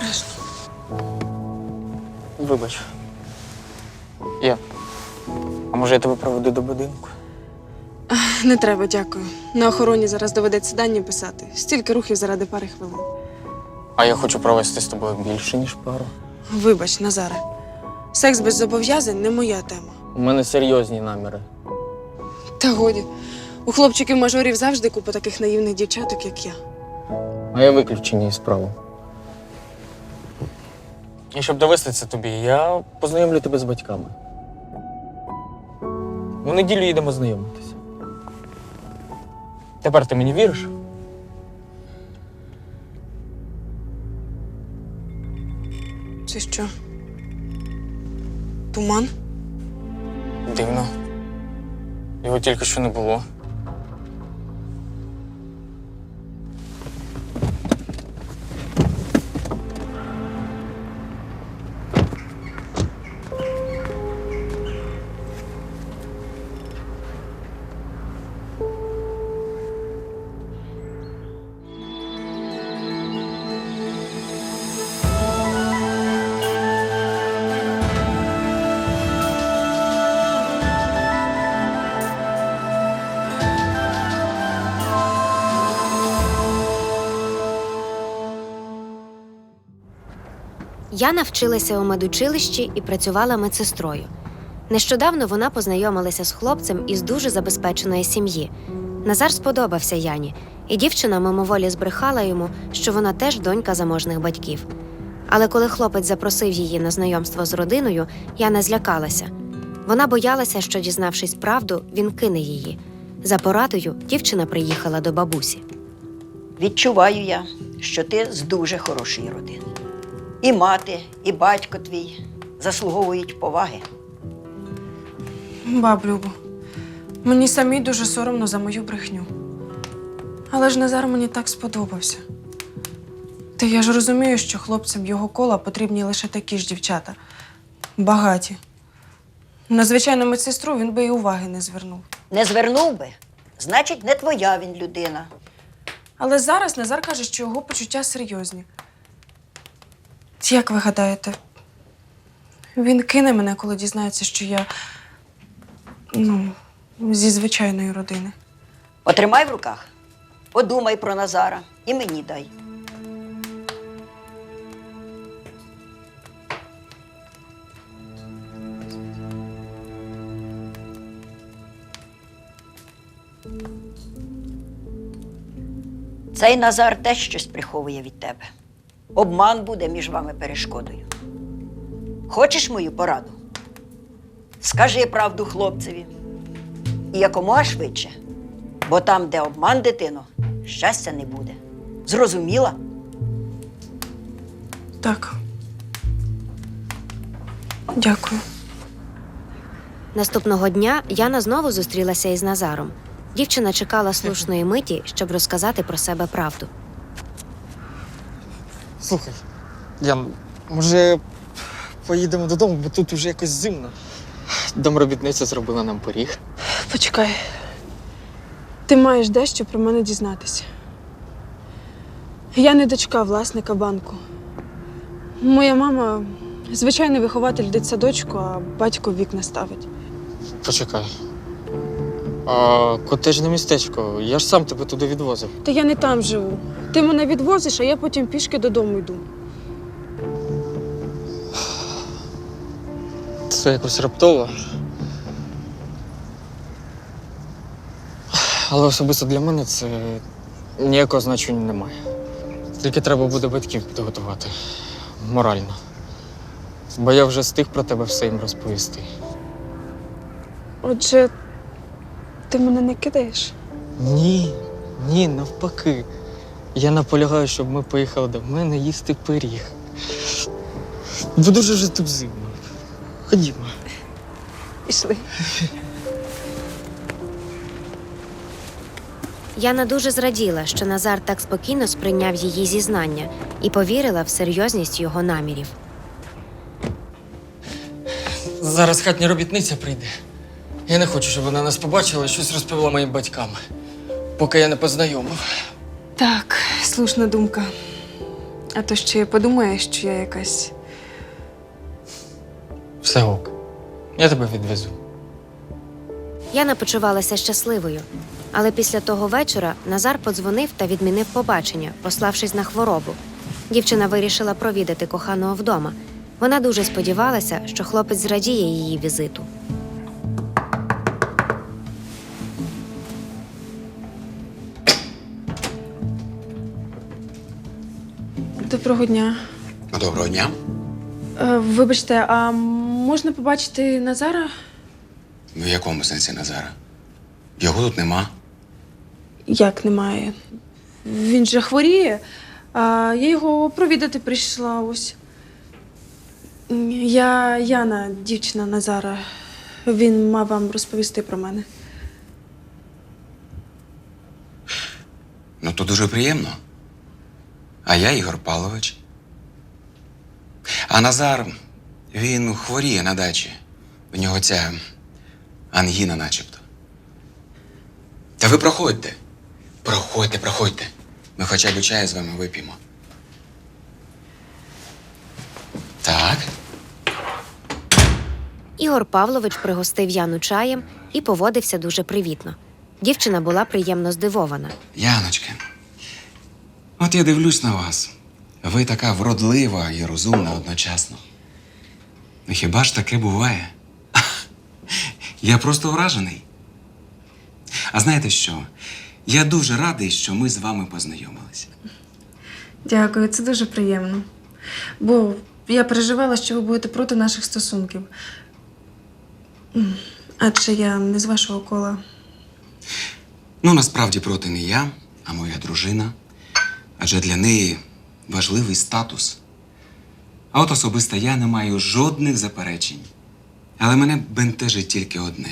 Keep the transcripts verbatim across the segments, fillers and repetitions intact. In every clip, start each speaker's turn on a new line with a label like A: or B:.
A: Обережно.
B: Вибач. Я. А може я тебе проведу до будинку?
A: Не треба, дякую. На охороні зараз доведеться дані писати. Стільки рухів заради пари хвилин.
B: А я хочу провести з тобою більше, ніж пару.
A: Вибач, Назаре. Секс без зобов'язань не моя тема.
B: У мене серйозні наміри.
A: Та годі. У хлопчиків-мажорів завжди купа таких наївних дівчаток, як я.
B: А я виключення із справи. І щоб довести це тобі, я познайомлю тебе з батьками. У неділю їдемо знайомитися. Тепер ти мені віриш?
A: Це що? Туман?
B: Дивно. Його тільки що не було.
C: Яна вчилася у медучилищі і працювала медсестрою. Нещодавно вона познайомилася з хлопцем із дуже забезпеченої сім'ї. Назар сподобався Яні, і дівчина мимоволі збрехала йому, що вона теж донька заможних батьків. Але коли хлопець запросив її на знайомство з родиною, Яна злякалася. Вона боялася, що, дізнавшись правду, він кине її. За порадою дівчина приїхала до бабусі.
D: Відчуваю я, що ти з дуже хорошої родини. І мати, і батько твій заслуговують поваги.
A: Баб Любо, мені самій дуже соромно за мою брехню. Але ж Назар мені так сподобався. Та я ж розумію, що хлопцям його кола потрібні лише такі ж дівчата. Багаті. На звичайну медсестру він би і уваги не звернув.
D: Не звернув би, значить, не твоя він людина.
A: Але зараз Назар каже, що його почуття серйозні. Як ви гадаєте, він кине мене, коли дізнається, що я, ну, зі звичайної родини?
D: Отримай в руках, подумай про Назара і мені дай. Цей Назар теж щось приховує від тебе. Обман буде між вами перешкодою. Хочеш мою пораду? Скажи правду хлопцеві. І якомога швидше. Бо там, де обман, дитино, щастя не буде. Зрозуміла?
A: Так. Дякую.
C: Наступного дня Яна знову зустрілася із Назаром. Дівчина чекала слушної миті, щоб розказати про себе правду.
E: Слухай, Ян, може поїдемо додому, бо тут уже якось зимно. Домробітниця зробила нам пиріг.
A: Почекай. Ти маєш дещо про мене дізнатися. Я не дочка власника банку. Моя мама – звичайний вихователь дитсадочку, а батько вікна ставить.
E: Почекай. А котежне містечко, я ж сам тебе туди відвозив.
A: Та я не там живу. Ти мене відвозиш, а я потім пішки додому йду.
E: Це якось раптово. Але особисто для мене це ніякого значення немає. Тільки треба буде батьків підготувати. Морально. Бо я вже встиг про тебе все їм розповісти.
A: Отже, ти мене не кидаєш?
E: Ні, ні, навпаки. Я наполягаю, щоб ми поїхали до мене їсти пиріг. Бо дуже вже тут зимно. Ходімо.
A: Пішли.
C: Яна дуже зраділа, що Назар так спокійно сприйняв її зізнання і повірила в серйозність його намірів.
E: Зараз хатня робітниця прийде. Я не хочу, щоб вона нас побачила і щось розповіла моїм батькам, поки я не познайомив.
A: Так, слушна думка. А то ще подумає, що я якась.
E: Все ок. Я тебе відвезу.
C: Яна почувалася щасливою. Але після того вечора Назар подзвонив та відмінив побачення, пославшись на хворобу. Дівчина вирішила провідати коханого вдома. Вона дуже сподівалася, що хлопець зрадіє її візиту.
A: Доброго дня.
F: Доброго дня.
A: Е, вибачте, а можна побачити Назара?
F: В якому сенсі Назара? Його тут нема.
A: Як немає? Він же хворіє, а я його провідати прийшла ось. Я Яна, дівчина Назара. Він мав вам розповісти про мене.
F: Ну, то дуже приємно. А я Ігор Павлович. А Назар, він хворіє на дачі. У нього ця ангіна начебто. Та ви проходьте. Проходьте, проходьте. Ми хоча б чаю з вами вип'ємо. Так.
C: Ігор Павлович пригостив Яну чаєм і поводився дуже привітно. Дівчина була приємно здивована.
F: Яночка, от я дивлюсь на вас. Ви така вродлива і розумна одночасно. Ну хіба ж таке буває? Я просто вражений. А знаєте що? Я дуже радий, що ми з вами познайомилися.
A: Дякую, це дуже приємно. Бо я переживала, що ви будете проти наших стосунків. М, Адже я не з вашого кола.
F: Ну, насправді проти не я, а моя дружина. Адже для неї важливий статус. А от особисто я не маю жодних заперечень. Але мене бентежить тільки одне.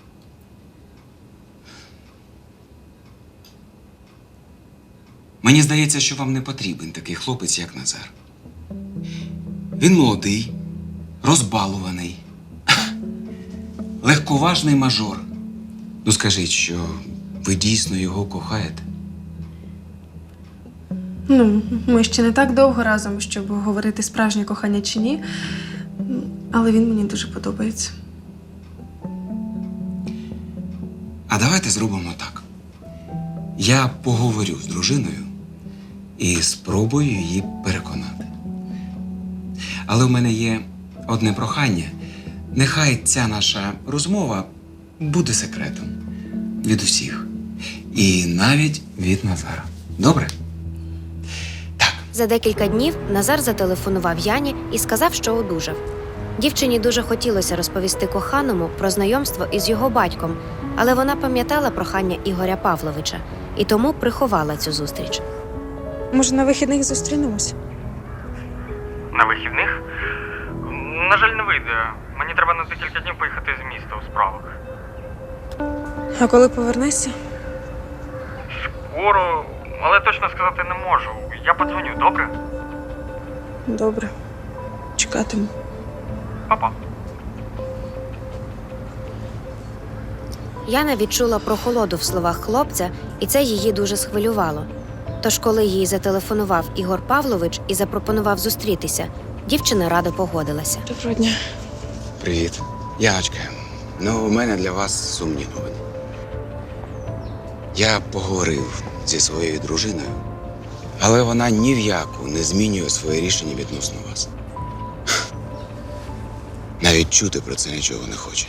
F: Мені здається, що вам не потрібен такий хлопець, як Назар. Він молодий, розбалуваний, легковажний мажор. Ну скажіть, що ви дійсно його кохаєте?
A: Ну, ми ще не так довго разом, щоб говорити справжнє кохання чи ні. М, Але він мені дуже подобається.
F: А давайте зробимо так. Я поговорю з дружиною і спробую її переконати. Але в мене є одне прохання. Нехай ця наша розмова буде секретом від усіх. І навіть від Назара. Добре? Так.
C: За декілька днів Назар зателефонував Яні і сказав, що одужав. Дівчині дуже хотілося розповісти коханому про знайомство із його батьком, але вона пам'ятала прохання Ігоря Павловича і тому приховала цю зустріч.
A: Може, на вихідних зустрінемось?
E: На вихідних? На жаль, не вийде. Мені треба на декілька днів поїхати з міста у справах.
A: А коли повернешся?
E: Скоро, але точно сказати не можу. Я подзвоню, добре?
A: Добре. Чекатиму.
E: Па-па.
C: Яна відчула прохолоду в словах хлопця, і це її дуже схвилювало. Тож, коли їй зателефонував Ігор Павлович і запропонував зустрітися, дівчина радо погодилася.
A: Доброго дня.
F: Привіт. Яночка, ну у мене для вас сумні новини. Я поговорив зі своєю дружиною, але вона ні в яку не змінює своє рішення відносно вас. Навіть чути про це нічого не хоче.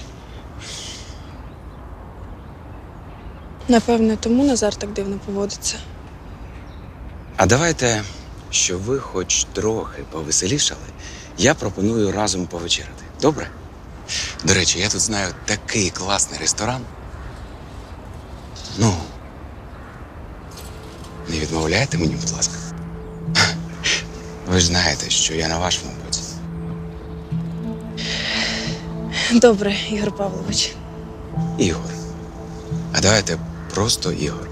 A: Напевне, тому Назар так дивно поводиться.
F: А давайте, щоб ви хоч трохи повеселішали, я пропоную разом повечеряти. Добре? До речі, я тут знаю такий класний ресторан. Ну, не відмовляйте мені, будь ласка. Ви ж знаєте, що я на вашому боці.
A: Добре, Ігор Павлович.
F: Ігор. А давайте просто Ігор.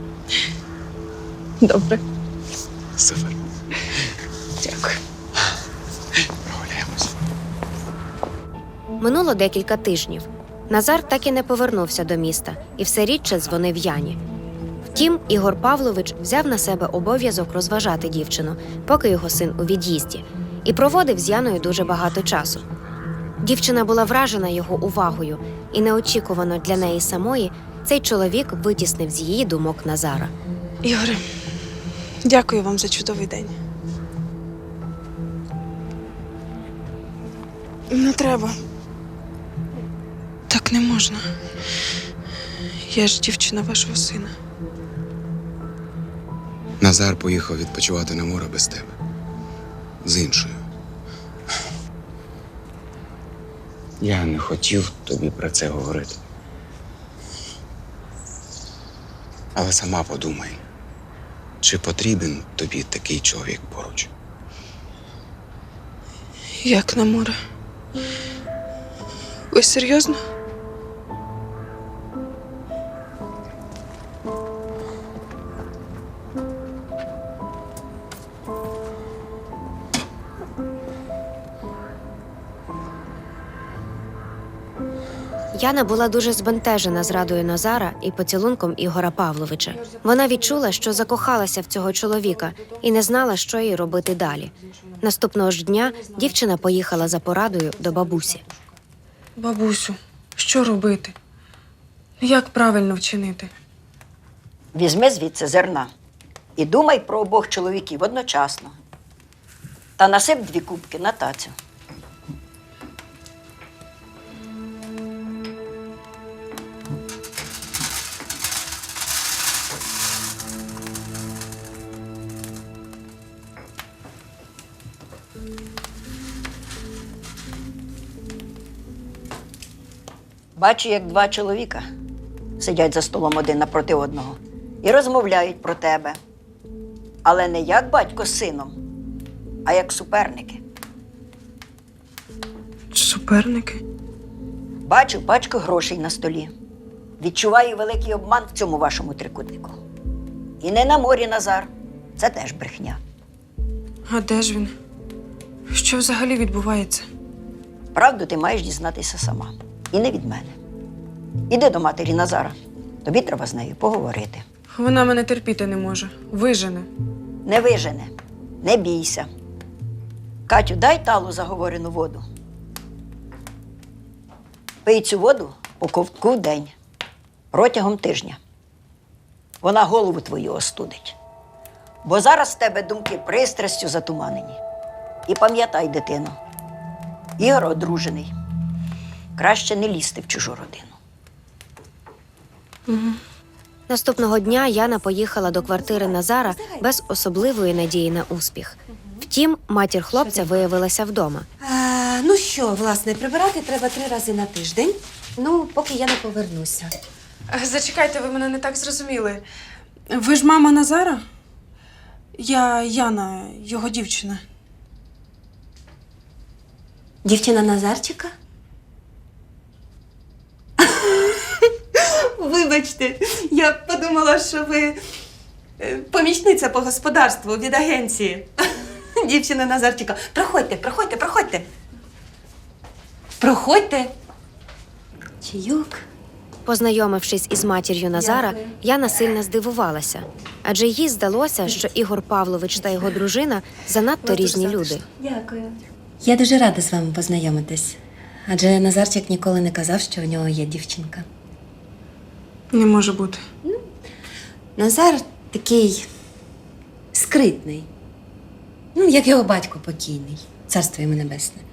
A: Добре.
F: Супер.
A: Дякую.
F: Прогуляємось.
C: Минуло декілька тижнів. Назар так і не повернувся до міста і все рідше дзвонив Яні. Втім, Ігор Павлович взяв на себе обов'язок розважати дівчину, поки його син у від'їзді, і проводив з Яною дуже багато часу. Дівчина була вражена його увагою, і неочікувано для неї самої цей чоловік витіснив з її думок Назара.
A: Ігоре, дякую вам за чудовий день. Не треба. Так не можна. Я ж дівчина вашого сина.
F: Назар поїхав відпочивати на море без тебе. З іншою. Я не хотів тобі про це говорити. Але сама подумай, чи потрібен тобі такий чоловік поруч?
A: Як на море? Ви серйозно?
C: Яна була дуже збентежена зрадою Назара і поцілунком Ігора Павловича. Вона відчула, що закохалася в цього чоловіка і не знала, що їй робити далі. Наступного ж дня дівчина поїхала за порадою до бабусі.
A: Бабусю, що робити? Як правильно вчинити?
D: Візьми звідси зерна і думай про обох чоловіків одночасно. Та насип дві кубки на тацю. Бачу, як два чоловіка сидять за столом один напроти одного і розмовляють про тебе. Але не як батько з сином, а як суперники.
A: Суперники?
D: Бачу пачку грошей на столі. Відчуваю великий обман в цьому вашому трикутнику. І не на морі, Назар. Це теж брехня.
A: А де ж він? Що взагалі відбувається?
D: Правду ти маєш дізнатися сама. І не від мене. Іди до матері Назара. Тобі треба з нею поговорити.
A: Вона мене терпіти не може. Вижене.
D: Не вижене, не бійся. Катю, дай талу заговорену воду. Пий цю воду по ковтку в день. Протягом тижня. Вона голову твою остудить. Бо зараз в тебе думки пристрастю затуманені. І пам'ятай, дитино, Ігор одружений. Краще не лізти в чужу родину.
C: Наступного дня Яна поїхала до квартири Назара без особливої надії на успіх. Втім, матір хлопця виявилася вдома.
G: А, ну що, власне, прибирати треба три рази на тиждень. Ну, поки я не повернуся.
A: Зачекайте, ви мене не так зрозуміли. Ви ж мама Назара? Я Яна, його дівчина.
G: Дівчина Назарчика? Вибачте, я подумала, що ви е, помічниця по господарству від агенції. Дівчина Назарчика. Проходьте, проходьте, проходьте. Проходьте. Чайок.
C: Познайомившись із матір'ю Назара,
G: Дякую.
C: Яна сильно здивувалася. Адже їй здалося, що Ігор Павлович та його дружина занадто різні люди.
G: Дякую. Я дуже рада з вами познайомитись. Адже Назарчик ніколи не казав, що у нього є дівчинка.
A: Не може бути.
G: Назар такий скритний. Ну, як його батько покійний. Царство йому небесне.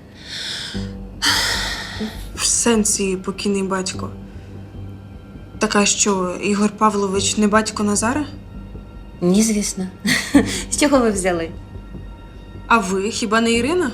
A: В сенсі покійний батько. Така що, Ігор Павлович не батько Назара?
G: Ні, звісно. З чого ви взяли?
A: А ви хіба не Ірина?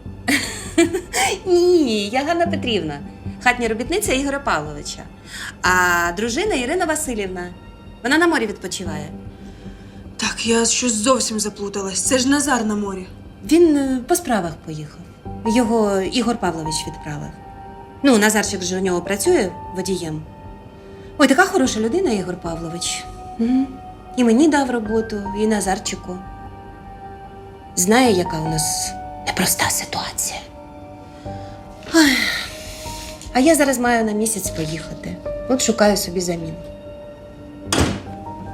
G: Ні, я Ганна Петрівна, хатня робітниця Ігоря Павловича. А дружина Ірина Васильівна. Вона на морі відпочиває.
A: Так, я щось зовсім заплуталась. Це ж Назар на морі.
G: Він е, по справах поїхав. Його Ігор Павлович відправив. Ну, Назарчик же у нього працює водієм. Ой, така хороша людина, Ігор Павлович. Мгм. І мені дав роботу, і Назарчику. Знає, яка у нас непроста ситуація. Ой. А я зараз маю на місяць поїхати. От шукаю собі заміну.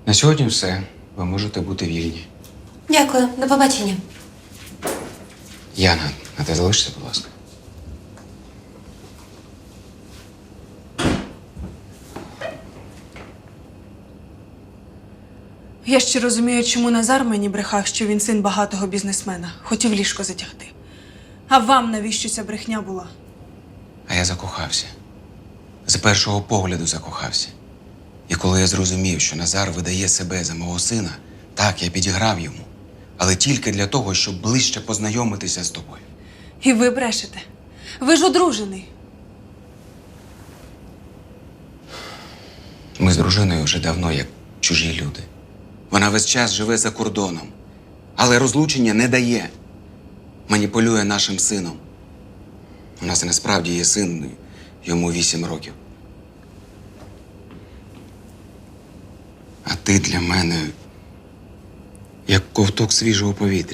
F: На сьогодні все. Ви можете бути вільні.
G: Дякую, до побачення.
F: Яна, а ти залишся, будь ласка.
A: Я ще розумію, чому Назар мені брехав, що він син багатого бізнесмена. Хотів ліжко затягти. А вам навіщо ця брехня була?
F: А я закохався. З першого погляду закохався. І коли я зрозумів, що Назар видає себе за мого сина, так, я підіграв йому. Але тільки для того, щоб ближче познайомитися з тобою.
A: І ви брешете. Ви ж одружений.
F: Ми з дружиною вже давно як чужі люди. Вона весь час живе за кордоном, але розлучення не дає. Маніпулює нашим сином. У нас насправді є син, йому вісім років. А ти для мене як ковток свіжого повітря.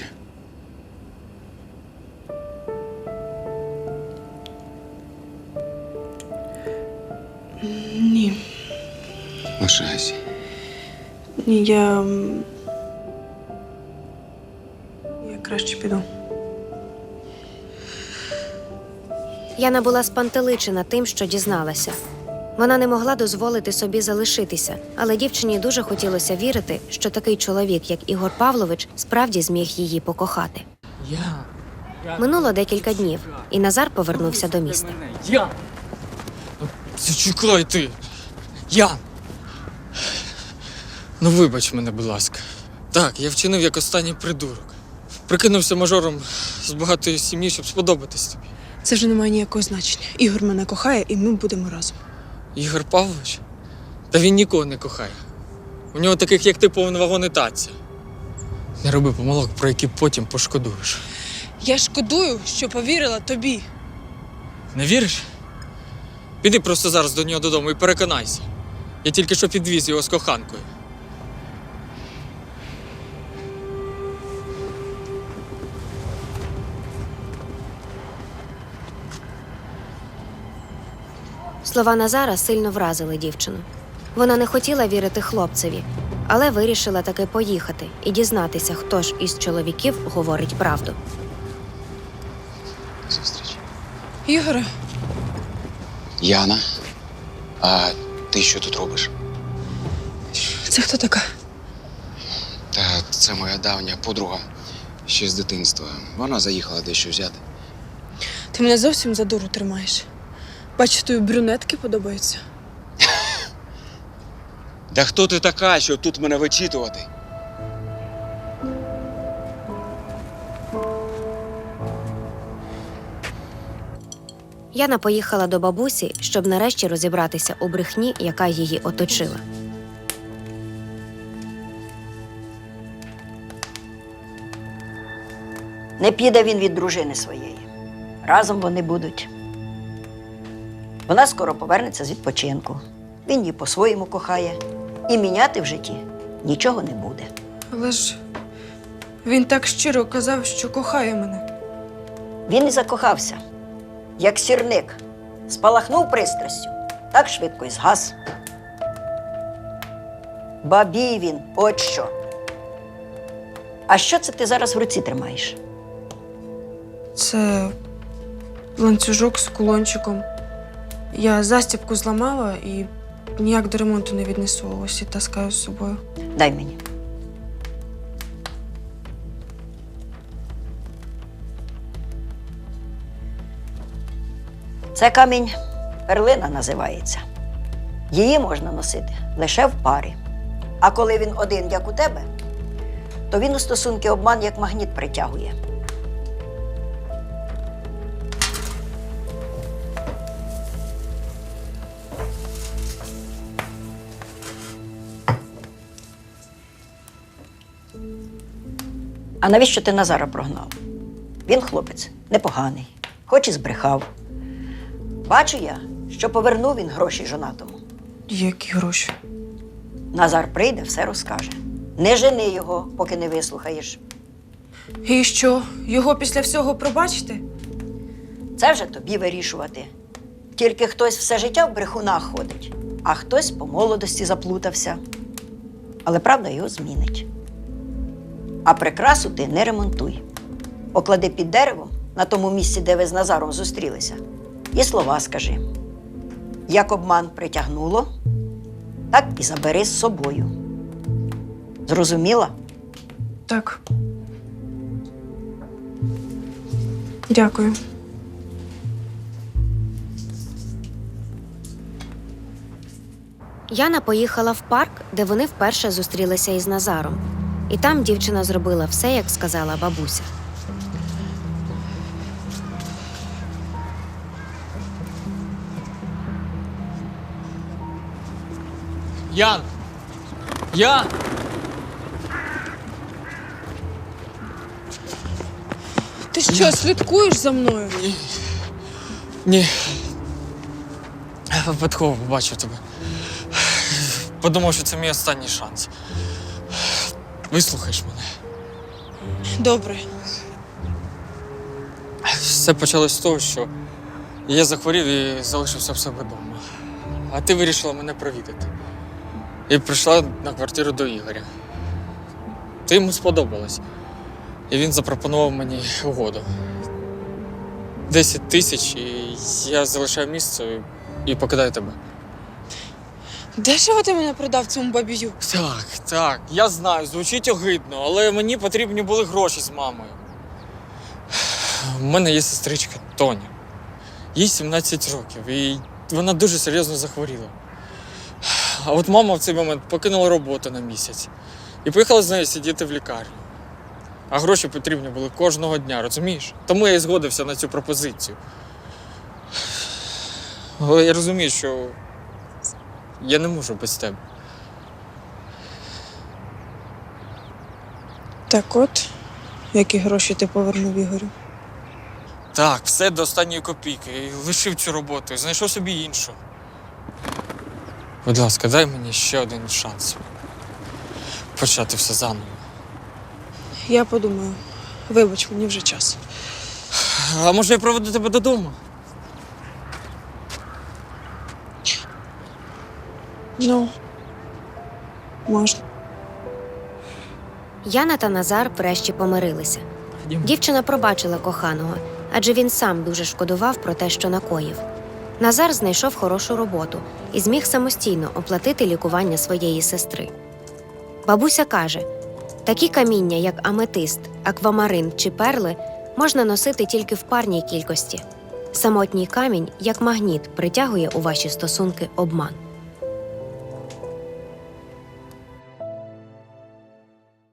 A: Ні.
F: Лишайся.
A: Ні, я. м, Я краще піду.
C: Яна була спантеличена тим, що дізналася. Вона не могла дозволити собі залишитися, але дівчині дуже хотілося вірити, що такий чоловік, як Ігор Павлович, справді зміг її покохати.
E: Я.
C: Минуло декілька днів, і Назар повернувся до міста.
E: Я. Зачекай ти. Ян. Ну вибач мене, будь ласка. Так, я вчинив як останній придурок. Прикинувся мажором з багатої сім'ї, щоб сподобатись тобі.
A: Це вже не має ніякого значення. Ігор мене кохає, і ми будемо разом.
E: Ігор Павлович? Та він нікого не кохає. У нього таких, як ти, повний вагон і таця. Не роби помилок, про які потім пошкодуєш.
A: Я шкодую, що повірила тобі.
E: Не віриш? Піди просто зараз до нього додому і переконайся. Я тільки що підвіз його з коханкою.
C: Слова Назара сильно вразили дівчину. Вона не хотіла вірити хлопцеві, але вирішила таки поїхати і дізнатися, хто ж із чоловіків говорить правду.
F: Зустріч.
A: Ігоре,
F: Яна, а ти що тут робиш?
A: це хто така?
F: Та це моя давня подруга ще з дитинства. Вона заїхала дещо взяти.
A: Ти мене зовсім за дуру тримаєш. Бачу, тобі брюнетки подобаються.
F: Та хто ти така, щоб тут мене вичитувати?
C: Яна поїхала до бабусі, щоб нарешті розібратися у брехні, яка її оточила.
D: Не піде він від дружини своєї. Разом вони будуть. Вона скоро повернеться з відпочинку. Він її по-своєму кохає. І міняти в житті нічого не буде.
A: Але ж він так щиро казав, що кохає мене.
D: Він і закохався, як сірник. Спалахнув пристрастю, так швидко і згас. Бабій він, от що. А що це ти зараз в руці тримаєш?
A: Це ланцюжок з кулончиком. Я застібку зламала і ніяк до ремонту не віднесу. Ось і таскаю з собою.
D: Дай мені. Це камінь перлина називається. Її можна носити лише в парі. А коли він один, як у тебе, то він у стосунки обман як магніт притягує. А навіщо ти Назара прогнав? Він хлопець непоганий, хоч і збрехав. Бачу я, що повернув він гроші жонатому.
A: Які гроші?
D: Назар прийде, все розкаже. Не жени його, поки не вислухаєш.
A: І що, його після всього пробачити?
D: Це вже тобі вирішувати. Тільки хтось все життя в брехунах ходить, а хтось по молодості заплутався. Але правда його змінить. А прикрасу ти не ремонтуй. Поклади під деревом на тому місці, де ви з Назаром зустрілися, і слова скажи. Як обман притягнуло, так і забери з собою. Зрозуміла?
A: Так. Дякую.
C: Яна поїхала в парк, де вони вперше зустрілися із Назаром. І там дівчина зробила все, як сказала бабуся.
E: Ян! Ян!
A: Ти що, слідкуєш за мною?
E: Ні. Випадково побачив тебе. Подумав, що це мій останній шанс. Вислухаєш мене.
A: Добре.
E: Все почалось з того, що я захворів і залишився в себе вдома. А ти вирішила мене провідати. І прийшла на квартиру до Ігоря. Ти йому сподобалась. І він запропонував мені угоду. Десять тисяч, і я залишаю місце і покидаю тебе.
A: Дешево ти мене продав цьому бабію?
E: Так, так, я знаю, звучить огидно, але мені потрібні були гроші з мамою. У мене є сестричка Тоня. Їй сімнадцять років, і вона дуже серйозно захворіла. А от мама в цей момент покинула роботу на місяць і поїхала з нею сидіти в лікарню. А гроші потрібні були кожного дня, розумієш? Тому я і згодився на цю пропозицію. Але я розумію, що я не можу без тебе.
A: Так от, які гроші ти повернув Ігорю?
E: Так, все до останньої копійки. І лишив цю роботу і знайшов собі іншу. Будь ласка, дай мені ще один шанс. Почати все заново.
A: Я подумаю. Вибач, мені вже час.
E: А може я проведу тебе додому?
A: Ну, можна.
C: Яна та Назар врешті помирилися. Дівчина пробачила коханого, адже він сам дуже шкодував про те, що накоїв. Назар знайшов хорошу роботу і зміг самостійно оплатити лікування своєї сестри. Бабуся каже, такі каміння, як аметист, аквамарин чи перли, можна носити тільки в парній кількості. Самотній камінь, як магніт, притягує у ваші стосунки обман.